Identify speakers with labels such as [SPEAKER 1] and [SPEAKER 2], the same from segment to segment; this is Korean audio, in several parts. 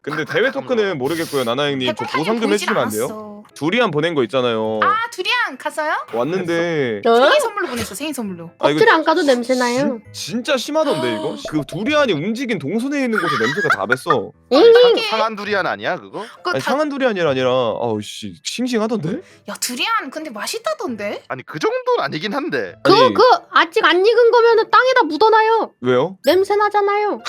[SPEAKER 1] 근데 대회 토크는 모르겠고요. 나나 형님 저 보상 좀 해주시면 안 돼요? 두리안 보낸 거 있잖아요.
[SPEAKER 2] 아 두리안 갔어요?
[SPEAKER 1] 왔는데
[SPEAKER 2] 생일 선물로 보냈어. 생일 선물로.
[SPEAKER 1] 아, 이거
[SPEAKER 3] 껍질 안 까도 냄새 나요.
[SPEAKER 1] 진짜 심하던데 이거? 그 두리안이 움직인 동선에 있는 곳에 냄새가 다 뱄어.
[SPEAKER 4] 상한 두리안 아니야 그거?
[SPEAKER 1] 아니, 상한 두리안이 아니라 아우씨 싱싱하던데?
[SPEAKER 2] 야 두리안 근데 맛있다던데?
[SPEAKER 4] 아니 그 정도는 아니긴 한데.
[SPEAKER 1] 아니,
[SPEAKER 3] 그 아직 안 익은 거면은 땅에다 묻어놔요.
[SPEAKER 1] 왜요?
[SPEAKER 3] 냄새 나잖아요.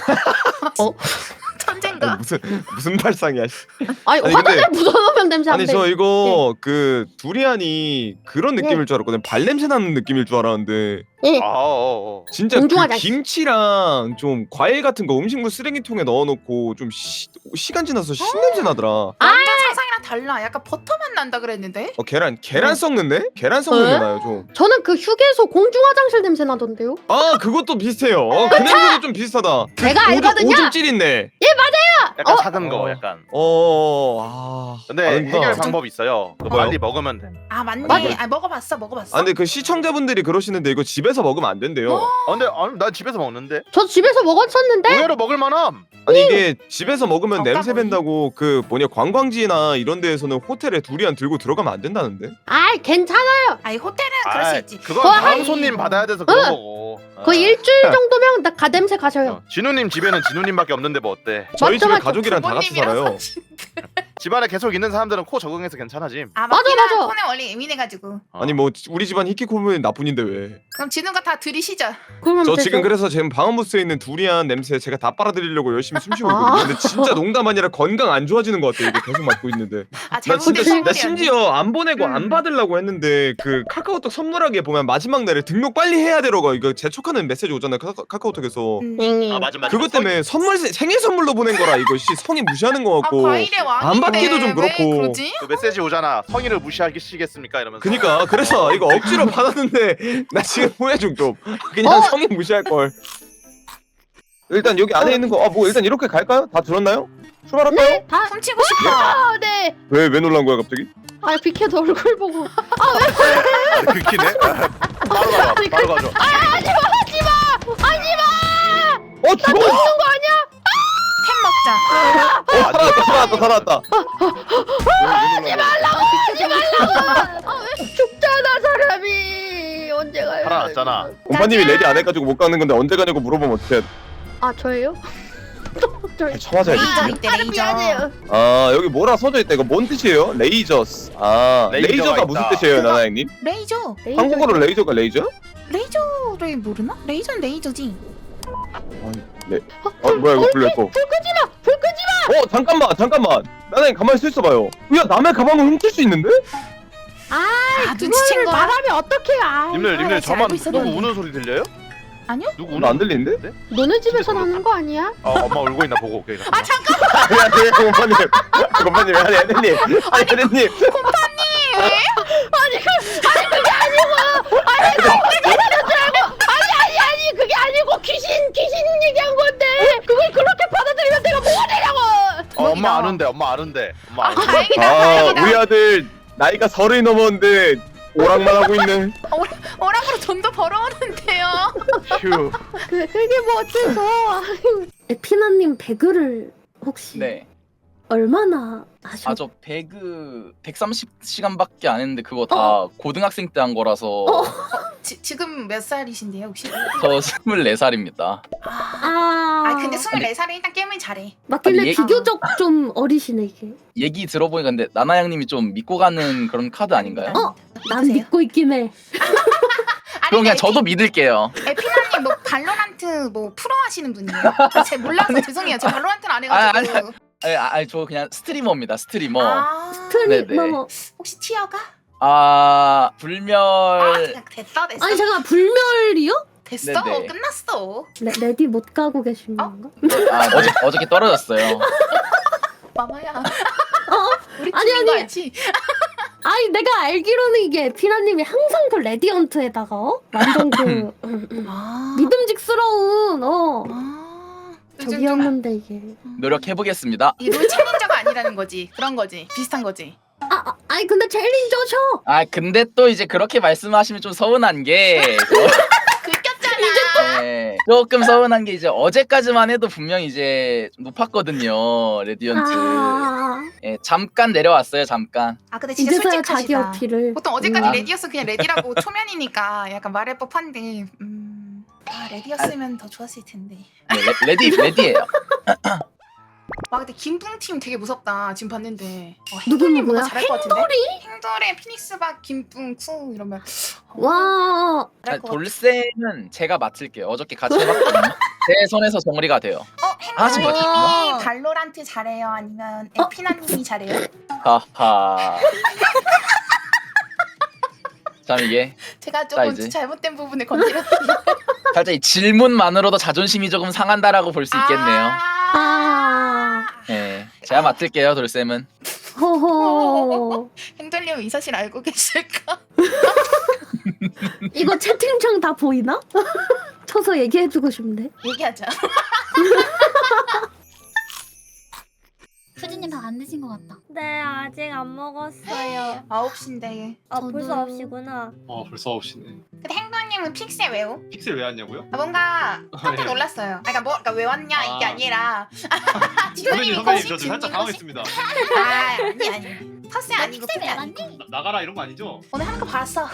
[SPEAKER 2] 천재인가?
[SPEAKER 1] 아니, 무슨 발상이야? 씨.
[SPEAKER 3] 아니
[SPEAKER 1] 아니,
[SPEAKER 3] 화단에
[SPEAKER 1] 근데-
[SPEAKER 3] 묻어놓으면 냄새 안
[SPEAKER 1] 아니
[SPEAKER 3] 돼.
[SPEAKER 1] 저 이거 그 두리안이 그런 느낌일 줄 알았거든. 발냄새 나는 느낌일 줄 알았는데
[SPEAKER 3] 예.
[SPEAKER 1] 진짜 그
[SPEAKER 3] 공중하자.
[SPEAKER 1] 김치랑 좀 과일 같은 거 음식물 쓰레기통에 넣어놓고 좀 시간 지나서 신냄새 나더라.
[SPEAKER 2] 완전 상상이랑 달라. 약간 버터 맛 난다 그랬는데?
[SPEAKER 1] 계란 썩는데? 계란 썩는 게 나요 좀.
[SPEAKER 3] 저는 그 휴게소 공중 화장실 냄새 나던데요.
[SPEAKER 1] 아 그것도 비슷해요. 그 냄새도 좀 비슷하다.
[SPEAKER 3] 제가 알거든요.
[SPEAKER 1] 오줌 찔인데.
[SPEAKER 4] 약간 작은 거 약간.
[SPEAKER 1] 근데
[SPEAKER 4] 해결 방법이 있어요. 그거
[SPEAKER 1] 뭐요?
[SPEAKER 4] 빨리 먹으면 돼.
[SPEAKER 2] 아 맞네.
[SPEAKER 3] 맞아.
[SPEAKER 2] 아 먹어봤어.
[SPEAKER 1] 아 근데 그 시청자분들이 그러시는데 이거 집에서 먹으면 안 된대요.
[SPEAKER 4] 근데 난 집에서 먹는데.
[SPEAKER 3] 저 집에서 먹었었는데.
[SPEAKER 4] 의외로 먹을 만함.
[SPEAKER 1] 아니 이게 집에서 먹으면 냄새
[SPEAKER 2] 깜깜이.
[SPEAKER 1] 밴다고 그 뭐냐 관광지나 이런 데에서는 호텔에 두리안 들고 들어가면 안 된다는데?
[SPEAKER 3] 아이 괜찮아요.
[SPEAKER 2] 아니 호텔은 그럴 수 있지.
[SPEAKER 4] 그건
[SPEAKER 3] 거의
[SPEAKER 4] 다음
[SPEAKER 2] 한-
[SPEAKER 4] 손님 받아야 돼서 그런 거고.
[SPEAKER 3] 거의 일주일 정도면 나 가냄새 가셔요.
[SPEAKER 4] 진우님 집에는 진우님밖에 없는데 뭐 어때?
[SPEAKER 1] 저희
[SPEAKER 3] 맞죠,
[SPEAKER 1] 집에
[SPEAKER 3] 맞죠.
[SPEAKER 1] 가족이랑 다 같이
[SPEAKER 2] 부모님이랑
[SPEAKER 1] 살아요.
[SPEAKER 4] 집안에 계속 있는 사람들은 코 적응해서 괜찮아지.
[SPEAKER 2] 아
[SPEAKER 3] 맞아,
[SPEAKER 2] 맞긴
[SPEAKER 3] 맞아.
[SPEAKER 2] 맞아. 폰에 원래 예민해가지고.
[SPEAKER 1] 아니 뭐 우리 집안 히키코모는 나뿐인데 왜?
[SPEAKER 2] 그럼 진우가 다 들이시죠.
[SPEAKER 3] 그러면
[SPEAKER 1] 저
[SPEAKER 3] 되죠.
[SPEAKER 1] 지금 그래서 지금 방음부스에 있는 두리안 냄새 제가 다 빨아들이려고 열심히 숨쉬고 있거든요. 근데 진짜 농담 아니라 건강 안 좋아지는 것 같아. 이게 계속 맡고 있는데.
[SPEAKER 2] 아
[SPEAKER 1] 나
[SPEAKER 2] 잘못된
[SPEAKER 1] 진짜 나
[SPEAKER 2] 선물이었네.
[SPEAKER 1] 심지어 안 보내고 안 받으려고 했는데 그 카카오톡 선물하기에 보면 마지막 날에 등록 빨리 해야 되라고 이거 재촉하는 메시지 오잖아요. 카카오톡에서.
[SPEAKER 4] 맞아.
[SPEAKER 1] 그것 때문에 생일 선물로 보낸 거라 이거 씨 성의 무시하는 거
[SPEAKER 2] 아
[SPEAKER 1] 같고.
[SPEAKER 2] 과일의 왕인데
[SPEAKER 1] 안 받기도 좀 그렇고.
[SPEAKER 2] 왜 그러지?
[SPEAKER 4] 그 메시지 오잖아. 성의를 무시하시겠습니까? 이러면서.
[SPEAKER 1] 그니까 그래서 이거 억지로 받았는데 나 지금 후회 중 좀. 그냥 성의 무시할 걸. 일단 여기 안에 있는 거 뭐 일단 이렇게 갈까요? 다 들었나요? 출발할까요?
[SPEAKER 3] 네, 다.
[SPEAKER 2] 훔치고 싶어.
[SPEAKER 3] 아, 네.
[SPEAKER 1] 왜 놀란 거야 갑자기?
[SPEAKER 3] 아 비켜도 얼굴 보고.
[SPEAKER 4] 긁히네. 바로 가져. 바로 가져.
[SPEAKER 1] 죽어!
[SPEAKER 3] 먹는 거 아니야?
[SPEAKER 2] 햄 먹자.
[SPEAKER 1] 살아났다.
[SPEAKER 3] 왜 죽잖아 사람이. 언제 가요?
[SPEAKER 4] 살아났잖아.
[SPEAKER 1] 공파님이 레디 안 해가지고 못 가는 건데 언제 가냐고 물어보면 어떡해.
[SPEAKER 3] 아 저예요? 저희.
[SPEAKER 1] 쳐맞아야지.
[SPEAKER 2] 레이저 있대 레이저.
[SPEAKER 3] 미안해요.
[SPEAKER 1] 아 여기 뭐라 써져 있다. 이거 뭔 뜻이에요? 레이저스. 아
[SPEAKER 4] 레이저가
[SPEAKER 1] 레이저가 무슨
[SPEAKER 4] 있다.
[SPEAKER 1] 뜻이에요, 나나 형님?
[SPEAKER 2] 레이저.
[SPEAKER 1] 한국어로 레이저가 레이저?
[SPEAKER 2] 레이저를 모르나? 레이저는 레이저지.
[SPEAKER 1] 뭐야 이거 불렸어.
[SPEAKER 3] 불 끄지 마.
[SPEAKER 1] 잠깐만. 나나 형 가만히 서 있어봐요. 야 남의 가방을 훔칠 수 있는데?
[SPEAKER 2] 아
[SPEAKER 3] 그거를
[SPEAKER 2] 눈치챈 거야?
[SPEAKER 3] 말하면 어떡해? 아.
[SPEAKER 4] 님들
[SPEAKER 2] 알고
[SPEAKER 4] 저만 누구
[SPEAKER 2] 있었는데.
[SPEAKER 4] 우는 소리 들려요?
[SPEAKER 2] 아니요?
[SPEAKER 4] 누구
[SPEAKER 1] 오늘 안
[SPEAKER 4] 우는?
[SPEAKER 1] 들리는데?
[SPEAKER 3] 너네 집에서 나는 거 아니야?
[SPEAKER 4] 엄마 울고 있나 보고 오케이.
[SPEAKER 2] 아 잠깐.
[SPEAKER 1] 아니 공파님 아니 애들님
[SPEAKER 3] 아니 그게 아니고 귀신 얘기한 건데 그걸 그렇게 받아들이면 내가 뭐가 되냐고.
[SPEAKER 4] 엄마 아는데. 엄마 아는데.
[SPEAKER 2] 아 다행이다
[SPEAKER 1] 아
[SPEAKER 2] 다행이다.
[SPEAKER 1] 우리 아들 나이가 30이 넘었는데 오락만 하고 있네.
[SPEAKER 2] 오락으로 돈도 벌어오는데요.
[SPEAKER 4] 휴.
[SPEAKER 3] 그게 뭐 어째서? 에피나님 배그를 혹시
[SPEAKER 5] 네.
[SPEAKER 3] 얼마나 하셨?
[SPEAKER 5] 저 배그 130시간밖에 안 했는데 그거 다 고등학생 때 한 거라서
[SPEAKER 2] 지금 몇 살이신데요 혹시?
[SPEAKER 5] 저 24살입니다.
[SPEAKER 2] 아 근데 24살에 일단 게임을 잘해.
[SPEAKER 3] 맞길래
[SPEAKER 5] 아니,
[SPEAKER 3] 비교적 좀 어리시네 이게.
[SPEAKER 5] 얘기 들어보니까 근데 나나 형님이 좀 믿고 가는 그런 카드 아닌가요?
[SPEAKER 3] 난 믿고 있긴 해.
[SPEAKER 5] 그럼 그냥 저도 믿을게요.
[SPEAKER 2] 에피나님 뭐 발로란트 뭐 프로 하시는 분이에요? 제가 몰라서 죄송해요. 제가 발로란트는 안 해가지고.
[SPEAKER 5] 아니 저 그냥 스트리머입니다. 스트리머.
[SPEAKER 3] 트리머.
[SPEAKER 2] 혹시 티어가?
[SPEAKER 5] 불멸
[SPEAKER 2] 그냥 됐어.
[SPEAKER 3] 아니 잠깐 불멸이요?
[SPEAKER 2] 됐어.
[SPEAKER 5] 네네.
[SPEAKER 2] 끝났어.
[SPEAKER 3] 레디 못 가고 계신 건가?
[SPEAKER 5] 어저께 떨어졌어요.
[SPEAKER 2] 마마야. 우리
[SPEAKER 3] 아니,
[SPEAKER 2] 팀인 거
[SPEAKER 3] 아니.
[SPEAKER 2] 알지?
[SPEAKER 3] 아니 내가 알기로는 이게 에피나님이 항상 그 레디언트에다가 완전 그
[SPEAKER 2] 아.
[SPEAKER 3] 믿음직스러운
[SPEAKER 2] 요즘 좀
[SPEAKER 3] 저기였는데 이게.
[SPEAKER 5] 노력해 보겠습니다.
[SPEAKER 2] 이롤 챌린저가 아니라는 거지. 그런 거지. 비슷한 거지.
[SPEAKER 3] 아니 근데 챌린저셔.
[SPEAKER 5] 근데 또 이제 그렇게 말씀하시면 좀 서운한 게
[SPEAKER 2] 긁혔잖아.
[SPEAKER 5] 네. 조금 서운한 게 이제 어제까지만 해도 분명 이제 좀 높았거든요 레디언트. 예, 잠깐 내려왔어요 잠깐.
[SPEAKER 2] 아 근데 진짜
[SPEAKER 3] 이제서야 자기
[SPEAKER 2] 솔직하시다.
[SPEAKER 3] 어필을.
[SPEAKER 2] 보통 어제까지
[SPEAKER 5] 아.
[SPEAKER 2] 레디였으면 그냥 레디라고 초면이니까 약간 말할 법한데 아 레디였으면 더 좋았을 텐데.
[SPEAKER 5] 네, 레디예요.
[SPEAKER 2] 와 근데 김뿡팀 되게 무섭다 지금 봤는데.
[SPEAKER 3] 누구
[SPEAKER 2] 행돌님 뭔가
[SPEAKER 3] 누구야?
[SPEAKER 2] 잘할 것 같은데? 행돌의 피닉스박 김뿡 쿠 이러면
[SPEAKER 3] 와.
[SPEAKER 2] 잘할 것 같아.
[SPEAKER 5] 돌쌤은 제가 맡을게요. 어저께 같이 해봤거든요. 제 손에서 정리가 돼요. 아, 지금
[SPEAKER 2] 행돌님이 발로란트 잘해요? 아니면 에피나님이 잘해요?
[SPEAKER 5] 하하. 참 이게
[SPEAKER 2] 제가
[SPEAKER 5] 자,
[SPEAKER 2] 조금
[SPEAKER 5] 이제.
[SPEAKER 2] 잘못된 부분을 건드렸는데.
[SPEAKER 5] 살짝 이 질문만으로도 자존심이 조금 상한다라고 볼 수 있겠네요.
[SPEAKER 3] 아.
[SPEAKER 5] 네, 제가 맡을게요 돌쌤은.
[SPEAKER 3] 호호.
[SPEAKER 2] 행돌님은 이 사실 알고 계실까?
[SPEAKER 3] 이거 채팅창 다 보이나? 쳐서 얘기해주고 싶네.
[SPEAKER 2] 얘기하자.
[SPEAKER 6] 수진님 다 안 드신 것 같다.
[SPEAKER 7] 네, 아직 안 먹었어요.
[SPEAKER 2] 9시인데.
[SPEAKER 7] 아,
[SPEAKER 3] 저도-
[SPEAKER 7] 벌써 9시구나.
[SPEAKER 8] 벌써 9시네.
[SPEAKER 2] 근데 행돌님은 픽셀 왜요?
[SPEAKER 8] 픽셀 왜 왔냐고요?
[SPEAKER 2] 뭔가 깜짝 놀랐어요. 그러니까 왜 왔냐 이게
[SPEAKER 8] 아.
[SPEAKER 2] 아니라.
[SPEAKER 8] 선배님 저 지금 살짝 당황했습니다.
[SPEAKER 2] 아니. 텃세 아니고
[SPEAKER 6] 픽셀
[SPEAKER 2] 픽셀
[SPEAKER 6] 왜
[SPEAKER 2] 아니고.
[SPEAKER 6] 왔니?
[SPEAKER 8] 나가라 이런 거 아니죠?
[SPEAKER 2] 오늘 하는 거 봤어.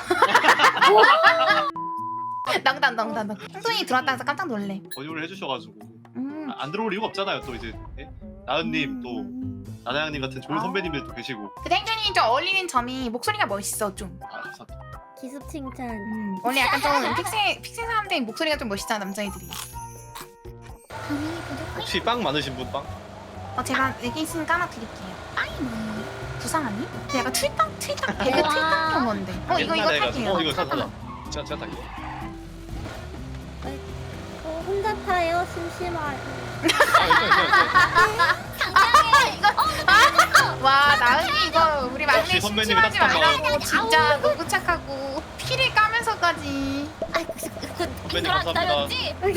[SPEAKER 2] 농담. 행돌이 들어왔다 해서 깜짝 놀래.
[SPEAKER 8] 권유를 해주셔가지고
[SPEAKER 2] 음.
[SPEAKER 8] 안 들어올 이유가 없잖아요. 또 이제 예? 나은님 또 나나양님 같은 좋은
[SPEAKER 2] 아.
[SPEAKER 8] 선배님들도 계시고.
[SPEAKER 2] 근데 행돌이 좀 어울리는 점이 목소리가 멋있어 좀.
[SPEAKER 8] 감사합니다.
[SPEAKER 7] 기습 칭찬.
[SPEAKER 2] 원래 약간 좀 픽셀 사람들이 목소리가 좀 멋있잖아 남자애들이.
[SPEAKER 6] 밤이 부족해?
[SPEAKER 8] 혹시 빵 많으신 분 빵?
[SPEAKER 2] 제가 여기 있으면 까놔드릴게요.
[SPEAKER 6] 빵이 뭐예요?
[SPEAKER 2] 부상하니? 근데 약간 배그
[SPEAKER 6] 와.
[SPEAKER 2] 틀딱 경우인데. 이거
[SPEAKER 8] 옛날에
[SPEAKER 2] 탈게요.
[SPEAKER 8] 해가지고. 이거 사자. 제가 탈게요.
[SPEAKER 7] 혼자 타요? 심심하요.
[SPEAKER 2] 와 나은이 이거 우리 막내
[SPEAKER 8] 역시 선배님이
[SPEAKER 2] 심심하지
[SPEAKER 8] 따뜻한
[SPEAKER 2] 말라고 진짜 너무 착하고 피를 까면서까지.
[SPEAKER 8] 선배님 감사합니다.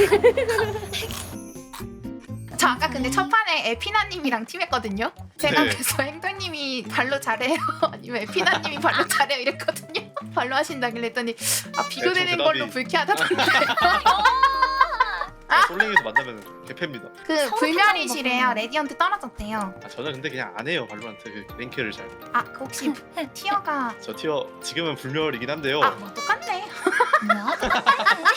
[SPEAKER 2] 저 아까 근데 첫 판에 에피나님이랑 팀했거든요. 제가
[SPEAKER 8] 네.
[SPEAKER 2] 그래서 행도님이 발로 잘해요 아니면 에피나님이 발로 잘해요 이랬거든요. 발로 하신다길래 했더니 비교되는
[SPEAKER 8] 네, 저
[SPEAKER 2] 걸로
[SPEAKER 8] 대답이-
[SPEAKER 2] 불쾌하다던데.
[SPEAKER 8] 솔랭에서 만나면 개패입니다.
[SPEAKER 2] 그 불멸이시래요. 레디언트 떨어졌대요.
[SPEAKER 8] 저는 근데 그냥 안 해요 발로란트 그 랭크를 잘.
[SPEAKER 2] 그 혹시 티어가
[SPEAKER 8] 저 티어 지금은 불멸이긴 한데요.
[SPEAKER 2] 뭐 똑같네.
[SPEAKER 6] 뭐야?